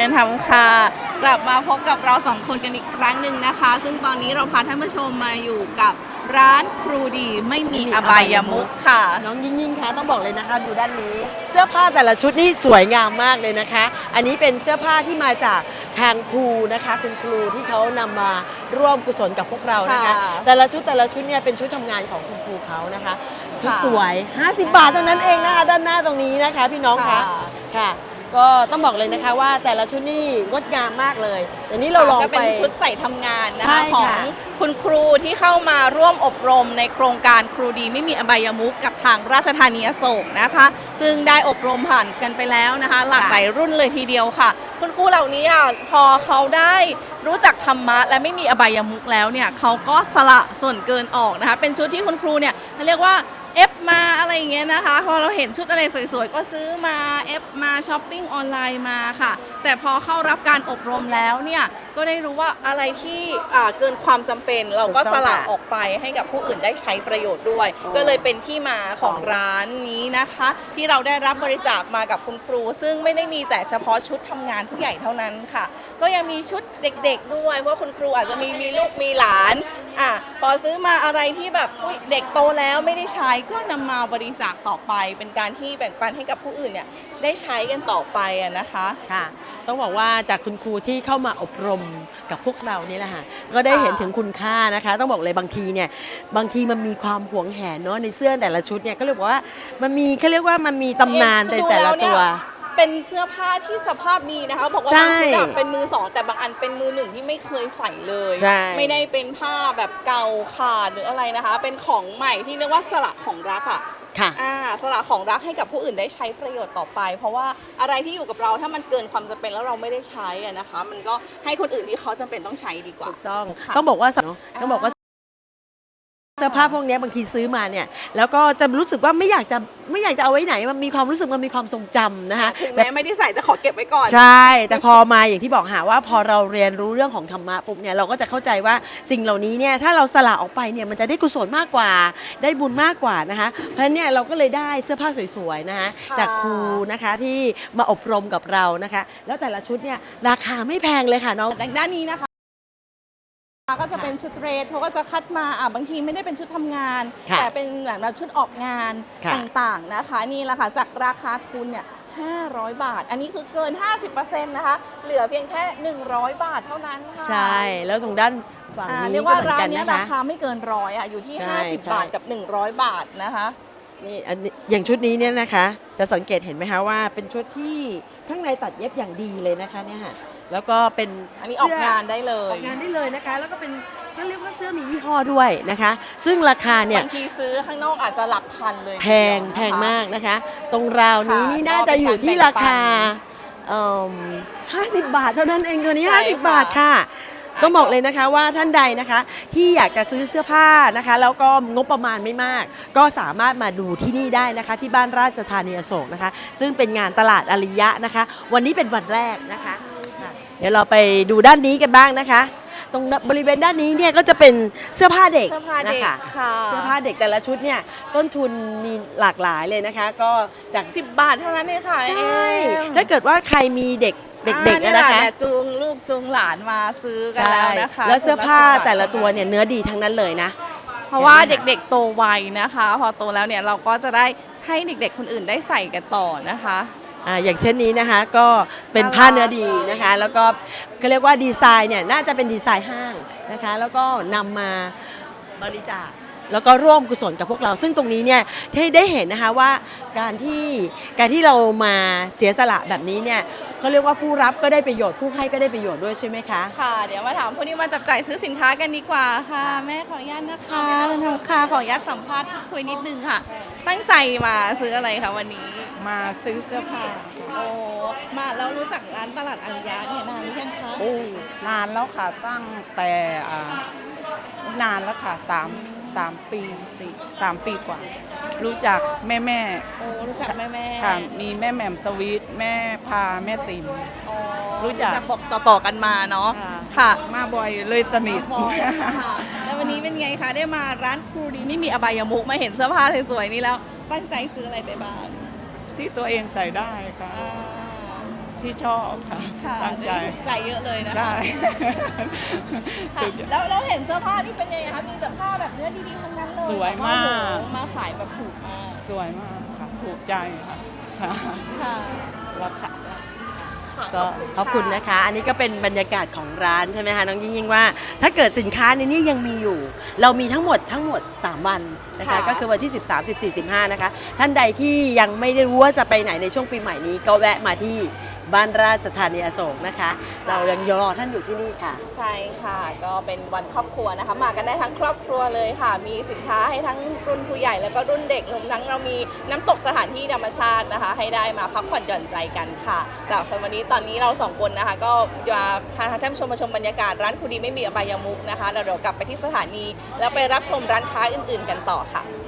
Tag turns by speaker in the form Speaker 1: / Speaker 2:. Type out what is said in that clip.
Speaker 1: ญธรรมค่ะกลับมาพบกับเราสองคนกันอีกครั้งหนึ่งนะคะซึ่งตอนนี้เราพาท่านผู้ชมมาอยู่กับร้านครูดีไม่มีอบายมุขค่ะ
Speaker 2: น้องยิ่งคะต้องบอกเลยนะคะดูด้านนี้เสื้อผ้าแต่ละชุดนี่สวยงามมากเลยนะคะอันนี้เป็นเสื้อผ้าที่มาจากทางครูนะคะคุณครูที่เขานำมาร่วมกุศลกับพวกเรานะคะแต่ละชุดเนี่ยเป็นชุดทำงานของคุณครูเขานะคะชุดสวย50 บาทเท่านั้นเองนะคะด้านหน้าตรงนี้นะคะพี่น้องคะค่ะก็ต้องบอกเลยนะคะว่าแต่ละชุดนี่งดงามมากเลยแต่นี้เราลองไป
Speaker 1: เป็นชุดใส่ทำงานนะคะของคุณครูที่เข้ามาร่วมอบรมในโครงการครูดีไม่มีอบายมุขกับทางราชธานีอโศกนะคะซึ่งได้อบรมผ่านกันไปแล้วนะคะหลากหลายรุ่นเลยทีเดียวค่ะคุณครูเหล่านี้พอเขาได้รู้จักธรรมะและไม่มีอบายมุขแล้วเนี่ยเขาก็สละส่วนเกินออกนะคะเป็นชุดที่คุณครูเนี่ยเรียกว่าเอฟมาอะไรอย่างเงี้ยนะคะพอเราเห็นชุดอะไรสวยๆก็ซื้อมาเอฟมาช้อปปิ้งออนไลน์มาค่ะแต่พอเข้ารับการอบรมแล้วเนี่ยก็ได้รู้ว่าอะไรที่เกินความจำเป็นเราก็สละออกไปให้กับผู้อื่นได้ใช้ประโยชน์ด้วยก็เลยเป็นที่มาของร้านนี้นะคะที่เราได้รับบริจาคมากับคุณครูซึ่งไม่ได้มีแต่เฉพาะชุดทำงานผู้ใหญ่เท่านั้นค่ะก็ยังมีชุดเด็กๆด้วยเพราะคุณครูอาจจะมีลูกมีหลานพอซื้อมาอะไรที่แบบเด็กโตแล้วไม่ได้ใช้ก็นำมาบริจาคต่อไปเป็นการที่แบ่งปันให้กับผู้อื่นเนี่ยได้ใช้กันต่อไปนะคะ
Speaker 2: ค่ะต้องบอกว่าจากคุณครูที่เข้ามาอบรมกับพวกเรานี่แหละค่ะก็ได้เห็นถึงคุณค่านะคะต้องบอกเลยบางทีมันมีความหวงแหนเนาะในเสื้อแต่ละชุดเนี่ยก็เรียกว่ามันมีเขาเรียกว่ามันมีตำนานแต่ละตัว
Speaker 1: เป็นเสื้อผ้าที่สภาพดีนะคะบอกว่าบางชุดเป็นมือสองแต่บางอันเป็นมือหนึ่งที่ไม่เคยใส่เลยไม่ได้เป็นผ้าแบบเก่าขาดหรืออะไรนะคะเป็นของใหม่ที่เรียกว่าสละของรัก
Speaker 2: ค่ะ
Speaker 1: สละของรักให้กับผู้อื่นได้ใช้ประโยชน์ต่อไปเพราะว่าอะไรที่อยู่กับเราถ้ามันเกินความจำเป็นแล้วเราไม่ได้ใช้นะคะมันก็ให้คนอื่นที่เขาจำเป็นต้องใช้ดีกว่า
Speaker 2: ต้องบอกว่าเสื้อผ้าพวกนี้บางทีซื้อมาเนี่ยแล้วก็จะรู้สึกว่าไม่อยากจะเอาไว้ไหนมันมีความรู้สึกมันมีความทรงจำนะคะ
Speaker 1: ถึงแม้ไม่ได้ใส่แต่ขอเก็บไว้ก่อน
Speaker 2: ใช่แต่พอมาอย่างที่บอกหาว่าพอเราเรียนรู้เรื่องของธรรมะปุ๊บเนี่ยเราก็จะเข้าใจว่าสิ่งเหล่านี้เนี่ยถ้าเราสละออกไปเนี่ยมันจะได้กุศลมากกว่าได้บุญมากกว่านะคะเพราะฉะนั้นเนี่ยเราก็เลยได้เสื้อผ้าสวยๆนะคะจากครูนะคะที่มาอบรมกับเรานะคะแล้วแต่ละชุดเนี่ยราคาไม่แพงเลยค่ะน้อง
Speaker 1: ด้านนี้นะคะก็จะเป็นชุดเดรสเขาก็จะคัดมาบางทีไม่ได้เป็นชุดทำงานแต่เป็นแบบชุดออกงานต่างๆนะคะนี่แหละค่ะจากราคาทุนเนี่ย500 บาทอันนี้คือเกิน 50% นะคะเหลือเพียงแค่100 บาทเท่านั้นค่ะ
Speaker 2: ใช่แล้วตรงด้านฝั่งนี้
Speaker 1: เรียกว่าร้านนี้ราคาไม่เกิน100อยู่ที่50 บาทกับ100 บาทนะคะ
Speaker 2: นี่อย่างชุดนี้เนี่ยนะคะจะสังเกตเห็นไหมคะว่าเป็นชุดที่ข้างในตัดเย็บอย่างดีเลยนะคะเนี่ยค่ะแล้วก็เป็น
Speaker 1: อันนี้ออกงานได้เลย
Speaker 2: ออกงานได้เลยนะคะแล้วก็เป็นก็เรียกว่าเสื้อมียี่ห้อด้วยนะคะซึ่งราคาเนี่ย
Speaker 1: บางทีซื้อข้างนอกอาจจะหลักพันเลย
Speaker 2: แพงมากนะคะตรงราวนี้นี่น่าจะอยู่ที่ราคา50 บาทเท่านั้นเองตัวนี้50 บาทค่ะต้องบอกเลยนะคะว่าท่านใดนะคะที่อยากจะซื้อเสื้อผ้านะคะแล้วก็งบประมาณไม่มากก็สามารถมาดูที่นี่ได้นะคะที่บ้านราชธานีอโศกนะคะซึ่งเป็นงานตลาดอริยะนะคะวันนี้เป็นวันแรกนะคะเดี๋ยวเราไปดูด้านนี้กันบ้างนะคะตรงบริเวณด้านนี้เนี่ยก็จะเป็นเสื้อผ้าเด็กนะคะเสื้อผ้าเด็กแต่ละชุดเนี่ยต้นทุนมีหลากหลายเลยนะคะก็จาก
Speaker 1: 10 บาทเท่านั้นเองค่ะ
Speaker 2: ใช่ถ้าเกิดว่าใครมีเด็กนะคะ
Speaker 1: จูงลูกจูงหลานมาซื้อกันแล้วนะคะ
Speaker 2: แล้วเสื้อผ้าแต่ละตัวเนี่ยเนื้อดีทั้งนั้นเลยนะ
Speaker 1: เพราะว่าเด็กๆโตไวนะคะพอโตแล้วเนี่ยเราก็จะได้ให้เด็กๆคนอื่นได้ใส่กันต่อนะคะ
Speaker 2: อย่างเช่นนี้นะคะก็เป็นผ้าเนื้อดีนะคะแล้วก็เขาเรียกว่าดีไซน์เนี่ยน่าจะเป็นดีไซน์ห้างนะคะแล้วก็นำมาบริจาคแล้วก็ร่วมกุศลกับพวกเราซึ่งตรงนี้เนี่ยที่ได้เห็นนะคะว่าการที่เรามาเสียสละแบบนี้เนี่ยเขาเรียกว่าผู้รับก็ได้ประโยชน์ผู้ให้ก็ได้ประโยชน์ด้วยใช่ไหมคะ
Speaker 1: ค่ะเดี๋ยวมาถามผู้ที่มาจับจ่ายซื้อสินค้ากันดีกว่าค่ะแม่ขออนุญาตนะคะค่ะขออนุญาตสัมภาษณ์คุยนิดนึงค่ะตั้งใจมาซื้ออะไรคะวันนี้
Speaker 3: มาซื้อเสื้อผ้า
Speaker 1: โอ้มาแล้วรู้จักร้านตลาดอริยะเนี่ยนานหรือยังคะ
Speaker 3: โอ้นานแล้วค่ะตั้งแต่นานแล้วค่ะ3 ปี3 ปีกว่ารู้จักแม่
Speaker 1: โอ้รู้จักแม่
Speaker 3: ค่ะมีแม่แหม่มสวีทแม่พาแม่ติ๋ม
Speaker 1: รู้จักบอกต่อกันมาเนาะค่ะ
Speaker 3: มาบ่อยเลยสนิท
Speaker 1: แล้ววันนี้เป็นไงคะได้มาร้านครูดีไม่มีอบายมุขมาเห็นเสื้อผ้าสวยๆนี่แล้วตั้งใจซื้ออะไรไปบ้าง
Speaker 3: ที่ตัวเองใส่ได้ค่ะที่ชอบค่ะ
Speaker 1: ค่ะ
Speaker 3: ตั้งใจ
Speaker 1: ถูกใจเยอะเลยนะคะ
Speaker 3: ใช่
Speaker 1: ค่ะ
Speaker 3: ถูกใจ
Speaker 1: แล้วเราเห็นเสื้อผ้านี่เป็นยังไงคะมีแต่ผ้าแบบเนื้อดีๆทั้งนั้นเลย
Speaker 3: สวยมาก
Speaker 1: แล้วโอ้โหมาขายแบบถูกมาก
Speaker 3: สวยมากค่ะ ถูกใจค่ะค่ะ
Speaker 1: ค่ะ
Speaker 3: ราคา
Speaker 2: ก็ขอบคุณนะคะ อันนี้ก็เป็นบรรยากาศของร้านใช่ไหมคะน้องยิ่งว่า ถ้าเกิดสินค้าในนี้ยังมีอยู่ เรามีทั้งหมด 3 วันนะคะ
Speaker 1: ค่ะ
Speaker 2: ก็คือวันที่ 13 14 15 นะคะ ท่านใดที่ยังไม่ได้รู้ว่าจะไปไหนในช่วงปีใหม่นี้ก็แวะมาที่บ้านราชธานีอโศกนะคะ เรายังรอท่านอยู่ที่นี่ค่ะ
Speaker 1: ใช่ค่ะ ก็เป็นวันครอบครัวนะคะ มากันได้ทั้งครอบครัวเลยค่ะ มีสินค้าให้ทั้งรุ่นผู้ใหญ่แล้วก็รุ่นเด็กรวมทั้งเรามีน้ำตกสถานที่ธรรมชาตินะคะ ให้ได้มาพักผ่อนหย่อนใจกันค่ะจากวันนี้ตอนนี้เราสองคนนะคะ ก็มาพาท่านผู้ชมมาชมบรรยากาศร้านครูดีไม่มีอบายมุขนะคะแล้วเดี๋ยวกลับไปที่สถานี แล้วไปรับชมร้านค้าอื่นๆกันต่อค่ะ